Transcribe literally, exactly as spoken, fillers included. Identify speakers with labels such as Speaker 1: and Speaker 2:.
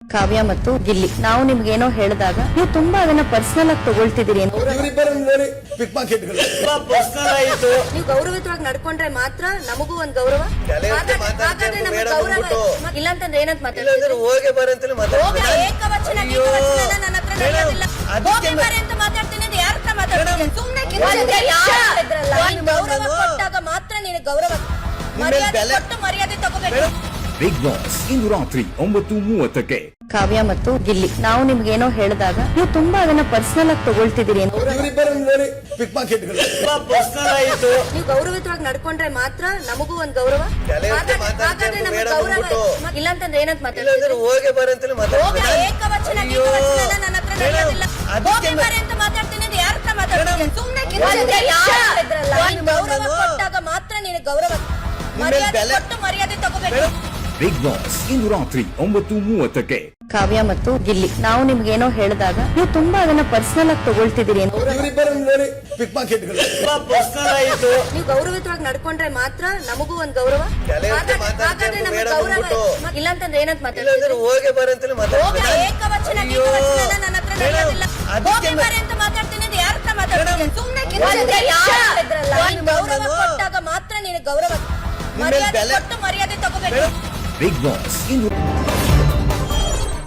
Speaker 1: ಕಾವ್ಯ ಮತ್ತು ಗಿಲ್ಲಿ, ನಾವು ನಿಮ್ಗೆ ಏನೋ ಹೇಳಿದಾಗ ನೀವು ತುಂಬಾ ಅದನ್ನ ಪರ್ಸನಲ್ ಆಗಿ ತಗೊಳ್ತಿದ್ದೀರಿ.
Speaker 2: ನೀವು ಗೌರವಿತವಾಗಿ ನಡ್ಕೊಂಡ್ರೆ ಮಾತ್ರ ನಮಗೂ ಒಂದ್ ಗೌರವ. ಹಾಗಾದ್ರೆ ನಮ್ಗೆ ಗೌರವ ಇಲ್ಲ ಅಂತಂದ್ರೆ ಏನಂತ ಮಾತಾಡ್ತಾರೆ?
Speaker 3: ಹೋಗಿ ಬರಂತಲೇ ಮಾತಾಡ್ತಾರೆ.
Speaker 2: ಏಕವಚನ ಏಕವಚನ ನನ್ನ ಹತ್ರ ನಡೆಯೋದಿಲ್ಲ. ಹೋಗಿ ಬರ ಅಂತ ಮಾತಾಡ್ತೀನಿ ಅಂದ್ರೆ ಯಾರ ಹತ್ರ ಮಾತಾಡ್ತೀನಿ? ಸುಮ್ನೆ ಗೌರವ ಕೊಟ್ಟಾಗ ಮಾತ್ರ ನೀನು ಗೌರವ ಮರ್ಯಾದೆ ಕೊಟ್ಟು ಮರ್ಯಾದೆ ತಗೋಬೇಕು.
Speaker 4: ಬಿಗ್ ಬಾಸ್ ಇಂದು ರಾತ್ರಿ ಒಂಬತ್ತು ಮೂವತ್ತಕ್ಕೆ.
Speaker 1: ಕಾವ್ಯ ಮತ್ತು ಗಿಲ್ಲಿ, ನಾವು ನಿಮ್ಗೆ ಏನೋ ಹೇಳಿದಾಗ ನೀವು ತುಂಬಾ ಅದನ್ನ ಪರ್ಸನಲ್ ಆಗಿ ತಗೊಳ್ತಿದ್ದೀರಿ.
Speaker 2: ನೀವು ಗೌರವಿತವಾಗಿ ನಡ್ಕೊಂಡ್ರೆ ಮಾತ್ರ ನಮಗೂ ಒಂದ್ ಗೌರವ. ಹಾಗಾದ್ರೆ ನಮ್ಗೆ ಗೌರವ ಇಲ್ಲ ಅಂತಂದ್ರೆ ಏನಂತ ಮಾತಾಡ್ತಾರೆ?
Speaker 3: ಹೋಗಿ ಬರಂತಲೇ ಮಾತಾಡ್ತಾರೆ.
Speaker 2: ಏಕವಚನ ಏಕವಚನ ನನ್ನ ಹತ್ರ ನಡೆಯೋದಿಲ್ಲ. ಹೋಗಿ ಬರ ಅಂತ ಮಾತಾಡ್ತೀನಿ ಅಂದ್ರೆ ಯಾರ ಹತ್ರ ಮಾತಾಡ್ತೀನಿ? ಸುಮ್ನೆ ಗೌರವ ಕೊಟ್ಟಾಗ ಮಾತ್ರ ನೀನು ಗೌರವ ಮರ್ಯಾದೆ ಕೊಟ್ಟು ಮರ್ಯಾದೆ ತಗೋಬೇಕು.
Speaker 4: ಬಿಗ್ ಬಾಸ್ ಇಂದು ರಾತ್ರಿ ಒಂಬತ್ತು ಮೂವತ್ತಕ್ಕೆ.
Speaker 1: ಕಾವ್ಯ ಮತ್ತು ಗಿಲ್ಲಿ, ನಾವು ನಿಮ್ಗೆ ಏನೋ ಹೇಳಿದಾಗ ನೀವು ತುಂಬಾ ಅದನ್ನ ಪರ್ಸನಲ್ ಆಗಿ ತಗೊಳ್ತಿದ್ದೀರಿ.
Speaker 2: ನೀವು ಗೌರವಿತವಾಗಿ ನಡ್ಕೊಂಡ್ರೆ ಮಾತ್ರ ನಮಗೂ ಒಂದ್ ಗೌರವ. ಹಾಗಾದ್ರೆ ನಮ್ಗೆ ಗೌರವ ಇಲ್ಲ ಅಂತಂದ್ರೆ ಏನಂತ ಮಾತಾಡ್ತಾರೆ?
Speaker 3: ಹೋಗಿ ಬರಂತಲೇ ಮಾತಾಡ್ತಾರೆ.
Speaker 2: ಏಕವಚನ ಏಕವಚನ ನನ್ನ ಹತ್ರ ನಡೆಯೋದಿಲ್ಲ. ಹೋಗಿ ಬರ ಅಂತ ಮಾತಾಡ್ತೀನಿ ಅಂದ್ರೆ ಯಾರ ಹತ್ರ ಮಾತಾಡ್ತೀನಿ? ಸುಮ್ನೆ ಗೌರವ ಕೊಟ್ಟಾಗ ಮಾತ್ರ ನೀನು ಗೌರವ ಮರ್ಯಾದೆ ಕೊಟ್ಟು ಮರ್ಯಾದೆ ತಗೋಬೇಕು.
Speaker 4: ಬಿಗ್ ಬಾಸ್ ಇಂದು